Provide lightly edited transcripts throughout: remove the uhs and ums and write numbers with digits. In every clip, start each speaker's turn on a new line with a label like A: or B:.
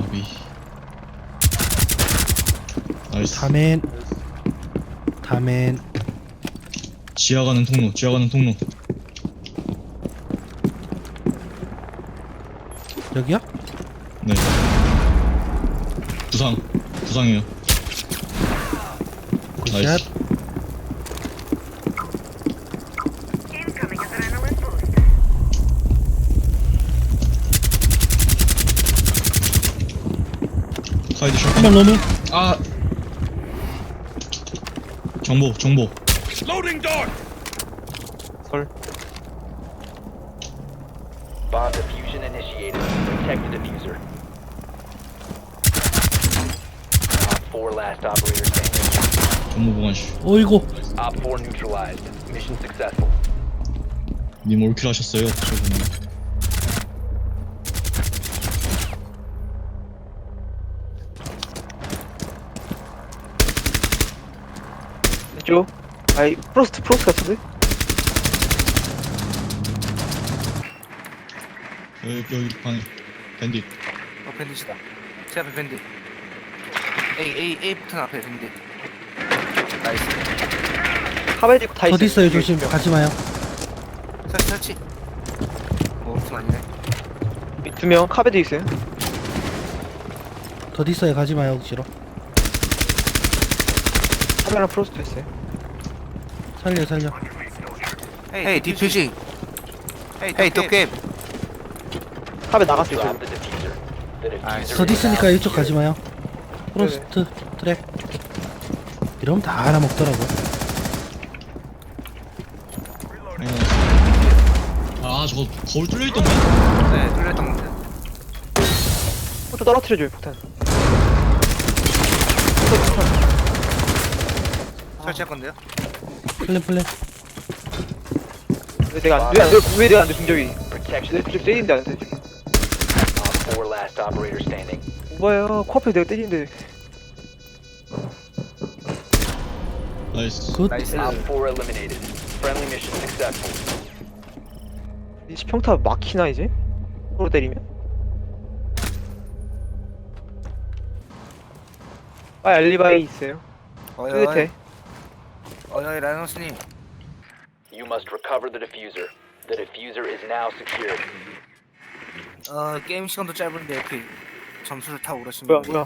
A: 까비. 나이스.
B: 다멘.
A: 지하 가는 통로, 지하 가는 통로.
B: 여기요?
A: 네. 부상이에요.
B: 굿샷.
A: 나이스.
C: Incoming adrenaline boost.
A: 카이드 샷.
B: 한명 로밍.
A: 아. 정보.
D: 설.
E: Bomb diffusion initiated. Protect the diffuser. Op 4 last operator standing.
A: 정보 보관실.
B: 어이구.
E: Op 4 neutralized. Mission successful.
A: 님 올킬 하셨어요. 저분이.
D: 왼쪽. 아이 프로스트 같은데?
A: 여기 방에 밴딧.
F: 밴딧이다. 제 앞에 밴딧. A 버튼 앞에 밴딧. 나이스.
D: 카베디 있고 다 있어.
B: 어디 있어요? 조심. 가지 마요.
F: 설치. 무슨 아니네.
D: 2명 카베디 있어요.
B: 어디 있어요? 가지 마요. 억지로.
D: 카베랑 프로스트 있어요.
B: 살려.
F: 헤이 디퓨징. 헤이 도깨비.
D: 카베 나갔어 있어요.
E: Drop the diffuser. The diffuser
F: Nice.
B: 어디
E: is now
B: 있으니까 이쪽
E: secured.
B: 가지 마요. 프로스트 트랩. 이러면 다 알아먹더라고.
A: 아 저거 거울 뚫려 있던데?
F: 네, 뚫렸던 건데.
D: 포토 떨어뜨려줘요 폭탄.
F: 설치할 건데요.
B: 플랜.
D: 왜 내가 안 돼 중적이.
E: Protection
D: 내 때리는데 안 돼.
E: Op 4 last operator standing.
D: 뭐야 코앞에 내가 때리는데.
A: 나이스.
B: 굿.
F: 나이스.
E: Op 4 eliminated. Friendly mission successful.
D: 이 평타 막히나 이제? 서로 때리면? 아 알리바이 있어요. 끝에.
F: 어이 라이너스님.
E: You must recover the diffuser. The diffuser is now secured.
F: 게임 시간도 짧은데 이렇게 점수를 타고 그러시면.
D: 뭐야.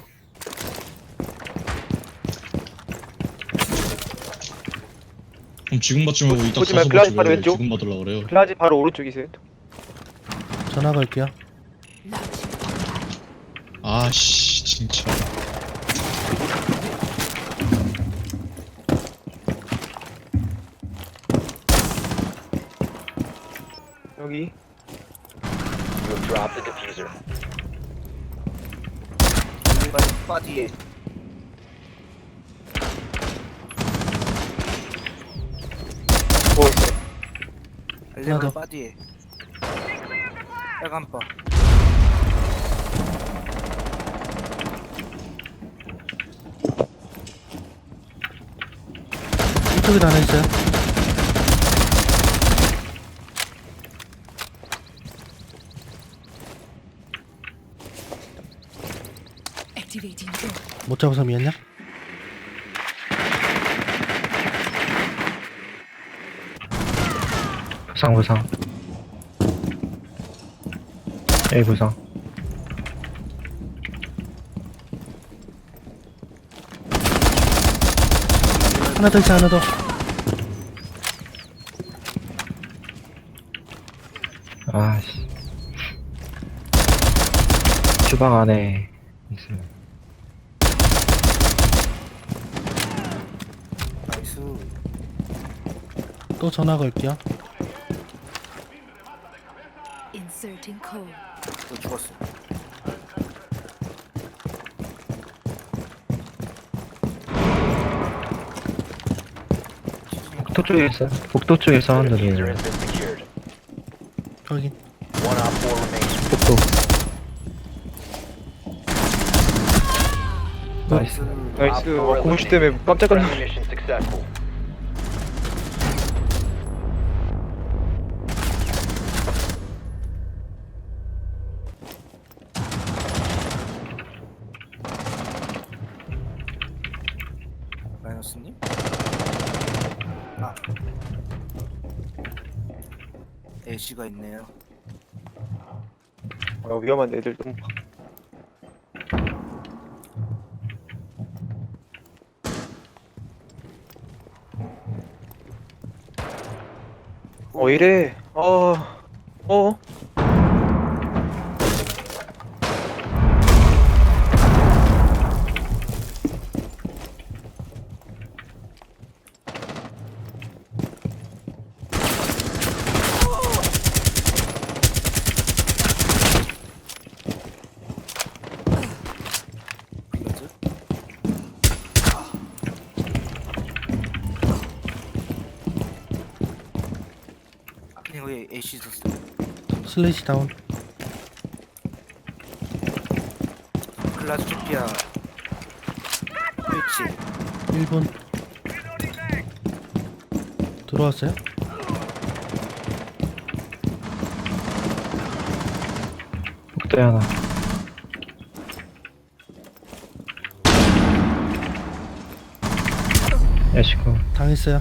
A: 그럼 지금 받지 말고 이따
D: 보지
A: 가서
D: 말고 글라스
A: 받지
D: 바로
A: 왜
D: 왼쪽.
A: 지금 받으려 그래요?
D: 글라지 바로 오른쪽이세요.
B: 전화 걸게요.
A: 아씨 진짜.
D: 여기.
E: You have dropped the diffuser.
F: 바디에.
D: 뭐 있어요?
F: 알레바
B: 더.
F: 바디에. 빨간 바.
B: 이쪽에도 하나 있어요.
C: Activating door.
B: 못 잡아서 미안냐?
G: 부상 A 부상
B: 하나 더 있어. 하나 더.
G: 아씨 주방 안에 있어요.
F: 나이스.
B: 또 전화 걸게요.
C: Inserting code.
F: 또 죽었어.
G: 복도 쪽에 있어요. 복도 쪽에
E: The diffuser
G: 사운드를
E: has been secured.
B: 확인.
E: One Op 4 remains.
G: 복도 나이스.
D: 나이스.
E: Op 4
D: 공시 때문에 깜짝
E: Friendly
D: 놀랐네.
E: mission successful.
F: 아니었니? 아 애쉬가 있네요.
D: 위험한 애들 너무 이래
F: 이거지? 아니 거기 애쉬 있었어요.
B: 슬래시 다운.
F: 클라스피아 스위치
B: 1분. 들어왔어요?
G: 복도에 하나. 애쉬고.
B: 당했어요.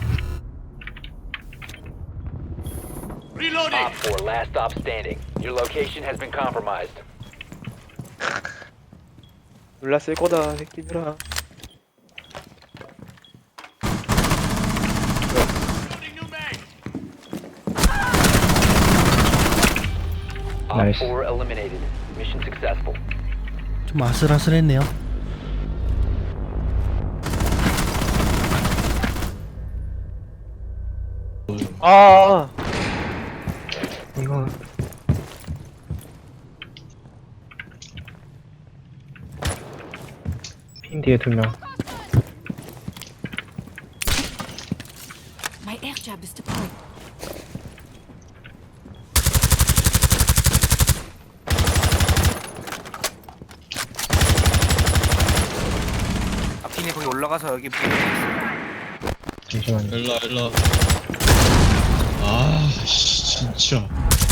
E: Op 4, last stop standing. Your location has been compromised.
D: 놀랐을 거다 새끼들아.
E: Op
G: Nice.
E: 4 eliminated. Mission successful.
B: 좀 아슬아슬했네요.
D: 아
G: 이거. 핀 뒤에 2명.
C: My air jab is deployed.
F: 아핀이 거기 올라가서 여기
G: 잠시만요.
A: 일라. 아, 씨, 진짜.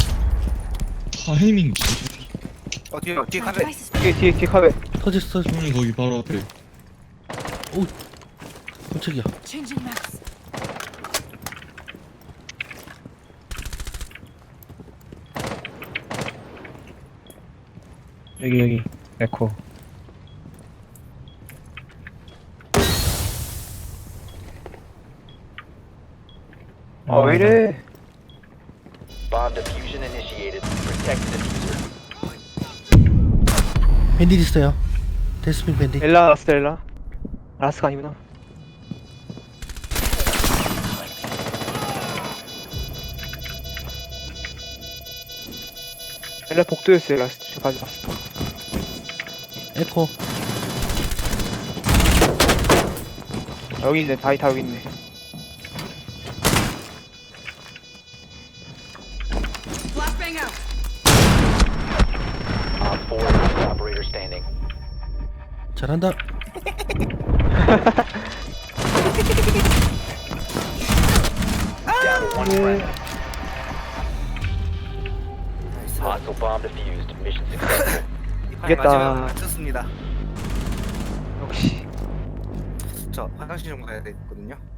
A: 타이밍 진짜.
F: 뒤에
C: My
F: 카페
C: device is
D: 뒤에 카베.
B: 터졌어.
A: 형이 거기 바로 앞에.
B: 오, 깜짝이야.
C: changing maps.
G: 여기. 에코.
D: 왜 이래?
E: Bomb diffusion initiated. Protect the diffuser.
B: 밴딧 있어요. 데스핀 밴딧.
D: 엘라 라스 엘라. 라스가 아니구나. 엘라 복도였어요 라스. 저 가져갔어.
B: 에코.
D: 여기 있네. 다 여기 있네.
C: Flashbang out.
E: Op 4 last operator standing.
B: 잘한다.
E: Down to one friendly.
F: 나이스.
E: Hostile bomb defused. Mission successful.
F: 이 판이
D: 이겼다.
F: 마지막 맞췄습니다.
D: 역시.
F: 저 화장실 좀 가야 되거든요.